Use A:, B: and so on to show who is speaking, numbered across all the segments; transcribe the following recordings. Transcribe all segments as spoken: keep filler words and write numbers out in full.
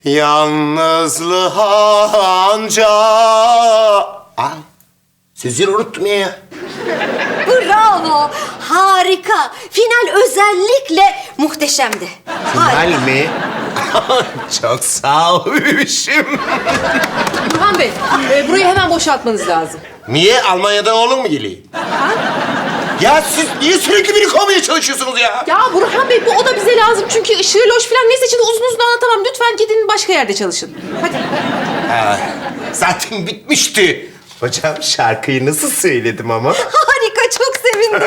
A: Yalnızlığa anca... Ay, sözleri unuttum ya.
B: Bravo, harika. Final özellikle muhteşemdi.
A: Final mi? Çok sağ ol bebişim.
C: Burhan Bey, e, burayı hemen boşaltmanız lazım.
A: Niye? Almanya'dan oğlum mu geliyor? Ya siz niye sürekli beni kovmaya çalışıyorsunuz ya?
C: Ya Burhan Bey, bu oda bize lazım çünkü ışığı, loş falan neyse şimdi uzun uzun anlatamam. Lütfen gidin başka yerde çalışın. Hadi.
A: Ha, zaten bitmişti. Hocam şarkıyı nasıl söyledim ama?
B: Harika, çok sevindim.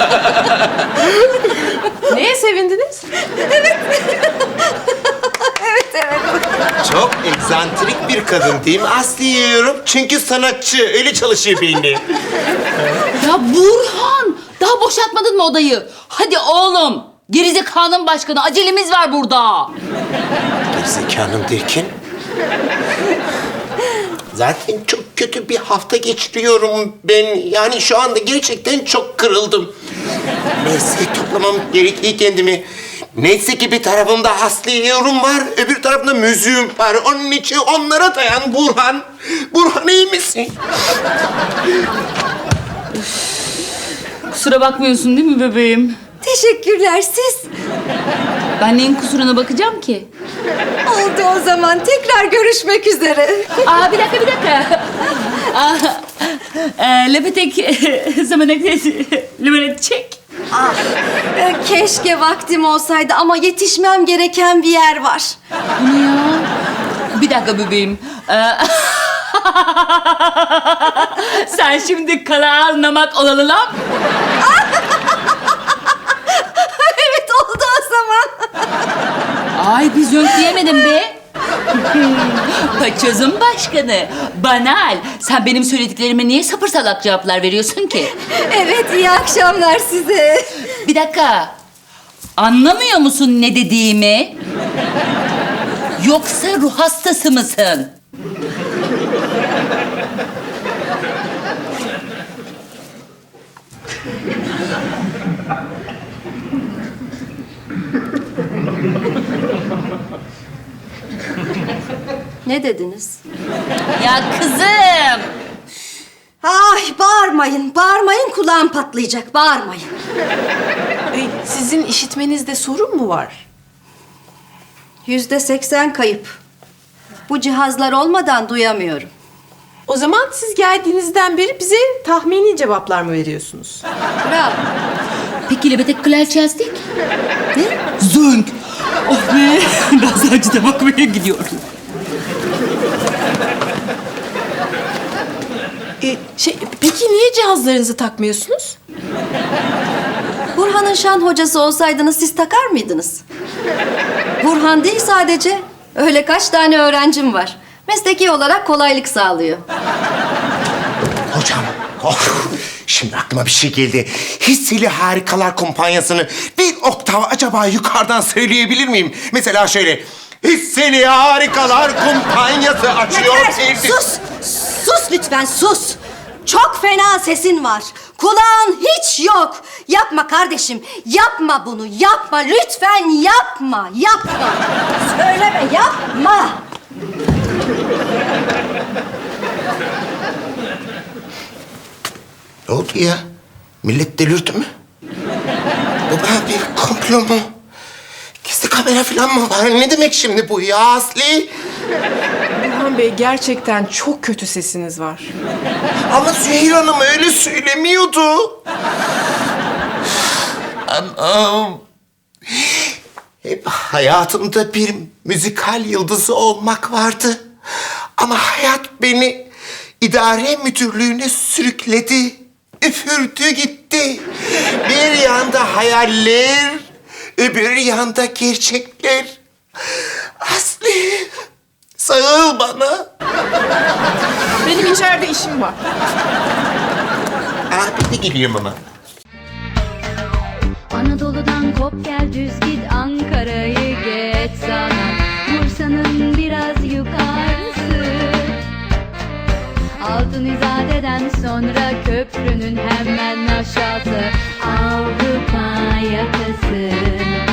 C: Neye sevindiniz?
B: Evet, evet.
A: Çok egzantrik bir kadın değil mi? Aslı yiyorum çünkü sanatçı. Öyle çalışıyor beyni.
D: Ya Burhan! Daha boşaltmadın mı odayı? Hadi oğlum! Gerizekanın başkanı, acelemiz var burada.
A: Gerizekanım derken? Zaten çok kötü bir hafta geçiriyorum ben. Yani şu anda gerçekten çok kırıldım. Neyse toplamam gerekiyor kendimi. Neyse ki bir tarafımda Aslı yorum var, öbür tarafımda müziğim var. Onun için onlara dayan Burhan. Burhan iyi misin?
D: Kusura bakmıyorsun değil mi bebeğim?
B: Teşekkürler, siz.
D: Ben neyin kusuruna bakacağım ki?
B: Oldu o zaman. Tekrar görüşmek üzere.
D: Aa bir dakika bir dakika. Aa, e, lepetek zamanek limonet çek.
B: Ah, e, keşke vaktim olsaydı ama yetişmem gereken bir yer var.
D: Bu ne ya? Bir dakika bebeğim. Ee, Sen şimdi kala anlamak olalı lan.
B: Evet, oldu o zaman.
D: Ay biz yok diyemedim be. Paçozun başkanı. Banal. Sen benim söylediklerime niye sapır salak cevaplar veriyorsun ki?
B: Evet, iyi akşamlar size.
D: Bir dakika. Anlamıyor musun ne dediğimi? Yoksa ruh hastası mısın?
B: Ne dediniz?
D: Ya kızım.
B: Ay, bağırmayın, bağırmayın. Kulağım patlayacak, bağırmayın.
C: E, sizin işitmenizde sorun mu var?
B: Yüzde seksen kayıp. Bu cihazlar olmadan duyamıyorum.
C: O zaman siz geldiğinizden beri bize tahmini cevaplar mı veriyorsunuz?
B: Bravo.
D: Peki lebetek klarçazdik? Ne? Zönk. Oh be. Gazacıda bakmaya gidiyorum.
C: E, şey, peki niye cihazlarınızı takmıyorsunuz?
B: Burhan'ın şan hocası olsaydınız siz takar mıydınız? Burhan değil sadece. Öyle kaç tane öğrencim var. Mesleki olarak kolaylık sağlıyor.
A: Hocam, oh, şimdi aklıma bir şey geldi. Hisseli Harikalar Kumpanyası'nı bir oktav acaba yukarıdan söyleyebilir miyim? Mesela şöyle... Hisseli Harikalar Kumpanyası açıyor.
B: Yeter! Sus! Sus lütfen, sus! Çok fena sesin var. Kulağın hiç yok. Yapma kardeşim. Yapma bunu. Yapma. Lütfen yapma. Yapma. Söyleme. Yapma.
A: Ne oldu ya? Millet delirdi mi? Bu ben bir komplo mu? Gizli kamera falan mı var? Ne demek şimdi bu ya Aslı?
C: Burhan Bey, gerçekten çok kötü sesiniz var.
A: Ama Süheyl Hanım öyle söylemiyordu. Anam. Hep hayatımda bir müzikal yıldızı olmak vardı. Ama hayat beni idare müdürlüğüne sürükledi. Üfürdü gitti. Bir yanda hayaller, öbür yanda gerçekler. Aslı, sağıl bana.
C: Benim içeride işim var.
A: Aa, ben de geliyorum ama.
E: Anadolu'dan kop gel düz git Ankara'yı geç sana Bursa'nın biraz yukarısı Altın İzade'den sonra köprünün hemen aşağısı Avrupa yakası